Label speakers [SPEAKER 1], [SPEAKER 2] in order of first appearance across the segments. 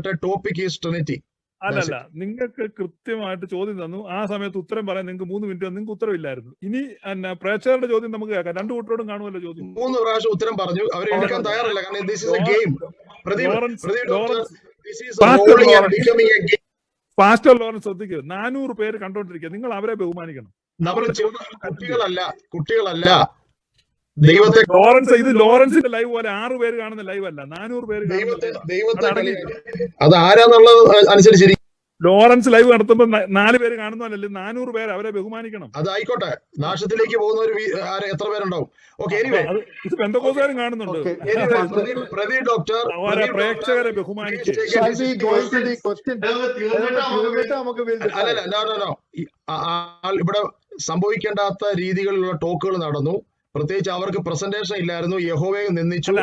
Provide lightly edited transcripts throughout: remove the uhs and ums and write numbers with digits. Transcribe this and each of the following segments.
[SPEAKER 1] topic is Trinity.
[SPEAKER 2] അല്ലല്ല, നിങ്ങൾക്ക് കൃത്യമായിട്ട് ചോദ്യം തന്നു. ആ സമയത്ത് ഉത്തരം പറയാൻ നിങ്ങൾക്ക് 3 മിനിറ്റ് നിങ്ങൾക്ക് ഉത്തരവില്ലായിരുന്നു. ഇനി പ്രേക്ഷകരുടെ ചോദ്യം നമുക്ക് കേൾക്കാം. രണ്ടു കൂട്ടരോടും കാണുമല്ലോ ചോദ്യം.
[SPEAKER 1] 3 പ്രാവശ്യം ഉത്തരം പറഞ്ഞു. അവർ എടുക്കാൻ തയ്യാറല്ല. കാരണം this is a game.
[SPEAKER 2] Pastor Lawrence ശ്രദ്ധിക്കുക. 400 പേര് കണ്ടോണ്ടിരിക്കുക. നിങ്ങൾ അവരെ ബഹുമാനിക്കണം.
[SPEAKER 1] കുട്ടികളല്ല ദൈവത്തെ.
[SPEAKER 2] ലോറൻസിന്റെ ലൈവ് പോലെ 6 പേര് കാണുന്ന ലൈവ് അല്ല, 400 പേര്.
[SPEAKER 1] അത് ആരാന്നുള്ളത് അനുസരിച്ചിരിക്കും.
[SPEAKER 2] ലോറൻസ് ലൈവ് നടത്തുമ്പോൾ 4 പേര് കാണുന്നതല്ലേ, 400 പേര് അവരെ ബഹുമാനിക്കണം.
[SPEAKER 1] അതായിക്കോട്ടെ. നാശത്തിലേക്ക് പോകുന്നവർ എത്ര പേരുണ്ടാവും? ഓക്കെ,
[SPEAKER 2] ഇത് പെന്തക്കോസ്തുകാരും കാണുന്നുണ്ട്.
[SPEAKER 1] പ്രദീപ് ഡോക്ടർ
[SPEAKER 2] പ്രേക്ഷകരെ ബഹുമാനിക്കും.
[SPEAKER 1] ഇവിടെ സംഭവിക്കേണ്ടാത്ത രീതികളിലുള്ള ടോക്കുകൾ നടന്നു. പ്രത്യേകിച്ച് അവർക്ക് പ്രസന്റേഷൻ ഇല്ലായിരുന്നു. യഹോവയെ നിന്ദിച്ചു.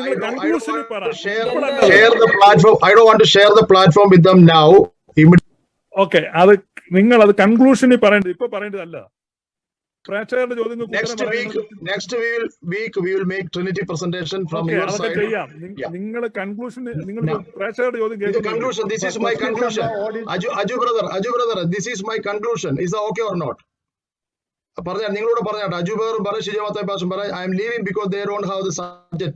[SPEAKER 1] I don't want to share the platform with them now.
[SPEAKER 2] Okay, അത് നിങ്ങൾ അത് കൺക്ലൂഷനിൽ പറയേണ്ടത്, ഇപ്പൊ പറയേണ്ടതല്ല. പ്രേക്ഷകരുടെ ചോദ്യങ്ങൾ
[SPEAKER 1] next week we will make Trinity presentation from your side.
[SPEAKER 2] നിങ്ങൾ കൺക്ലൂഷൻ, നിങ്ങൾ പ്രേക്ഷകരുടെ ചോദ്യം കേൾക്കും.
[SPEAKER 1] Conclusion, this is my conclusion. Aju brother, this is my conclusion. Is that okay or not? പറഞ്ഞ നിങ്ങളോട് പറഞ്ഞാട്ടെ. അജു ബ്രദറും പറയും, ഷിജാമത്തെ പാഷും പറയും, I am leaving because they don't have the subject.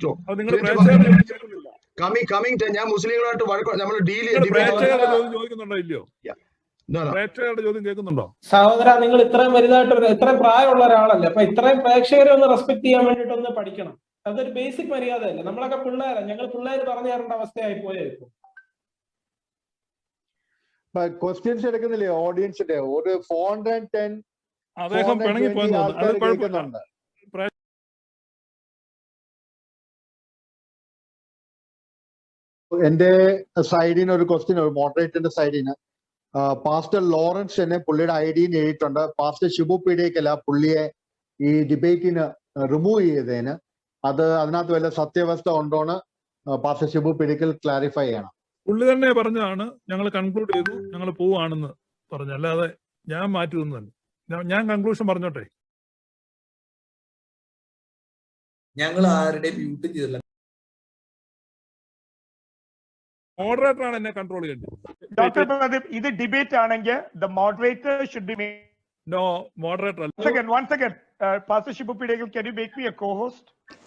[SPEAKER 1] Coming to ഞാൻ മുസ്ലിങ്ങളായിട്ട് നമ്മൾ ഡീൽ
[SPEAKER 2] ചോദിക്കുന്നുണ്ടോ ഇല്ലയോ? പ്രേക്ഷകരുടെ ചോദ്യം കേൾക്കുന്നുണ്ടോ?
[SPEAKER 3] സഹോദര, നിങ്ങൾ ഇത്രയും വലുതായിട്ട് ഇത്രയും പ്രായമുള്ള ഒരാളല്ലേ, അപ്പൊ ഇത്രയും പ്രേക്ഷകരെ ഒന്ന് റെസ്പെക്ട് ചെയ്യാൻ വേണ്ടിട്ടൊന്ന് പഠിക്കണം. അതൊരു ബേസിക് മര്യാദയല്ലേ. നമ്മളൊക്കെ പിള്ളേരാ, ഞങ്ങൾ പിള്ളേര് പറഞ്ഞു തരേണ്ട അവസ്ഥയായി പോയായിരിക്കും.
[SPEAKER 4] ക്വസ്റ്റ്യൻസ് എടുക്കുന്നില്ലേ ഓഡിയൻസിന്റെ? ഒരു 410
[SPEAKER 2] അദ്ദേഹം പിണങ്ങി പോയെന്നുണ്ട്.
[SPEAKER 4] എന്റെ സൈഡിന് ഒരു ക്വസ്റ്റ്യൻ, മോഡറേറ്ററിന്റെ സൈഡിന് പാസ്റ്റർ ലോറൻസ് തന്നെ പുള്ളിയുടെ ഐഡിയിൽ എഴുതിയിട്ടുണ്ട്. പാസ്റ്റർ ഷിബു പീഡിയക്കല്ല പുള്ളിയെ ഈ ഡിബേറ്റിന് റിമൂവ് ചെയ്തതിന്. അതിനകത്ത് വല്ല സത്യാവസ്ഥ ഉണ്ടോന്ന് പാസ്റ്റർ ഷിബു പീഡിയക്കൽ ക്ലാരിഫൈ ചെയ്യണം.
[SPEAKER 2] പുള്ളി തന്നെ പറഞ്ഞതാണ്, ഞങ്ങൾ കൺക്ലൂഡ് ചെയ്തു, ഞങ്ങൾ പോവാണെന്ന് പറഞ്ഞു. അല്ലാതെ ഞാൻ മാറ്റി തന്നതല്ല. ഞാൻ കൺക്ലൂഷൻ പറഞ്ഞോട്ടെ.
[SPEAKER 5] ഞങ്ങൾ ആരുടെയും മ്യൂട്ട് ചെയ്തില്ല.
[SPEAKER 2] മോഡറേറ്റർ ആണ് എന്നെ കൺട്രോൾ ചെയ്യേണ്ടത്.
[SPEAKER 6] ഡോക്ടർ പ്രദീപ്, ഇത് ഡിബേറ്റ് ആണെങ്കിൽ the moderator should be
[SPEAKER 2] no moderator.
[SPEAKER 6] One second. Pastor Shibu Pidekal, can you make me a co-host?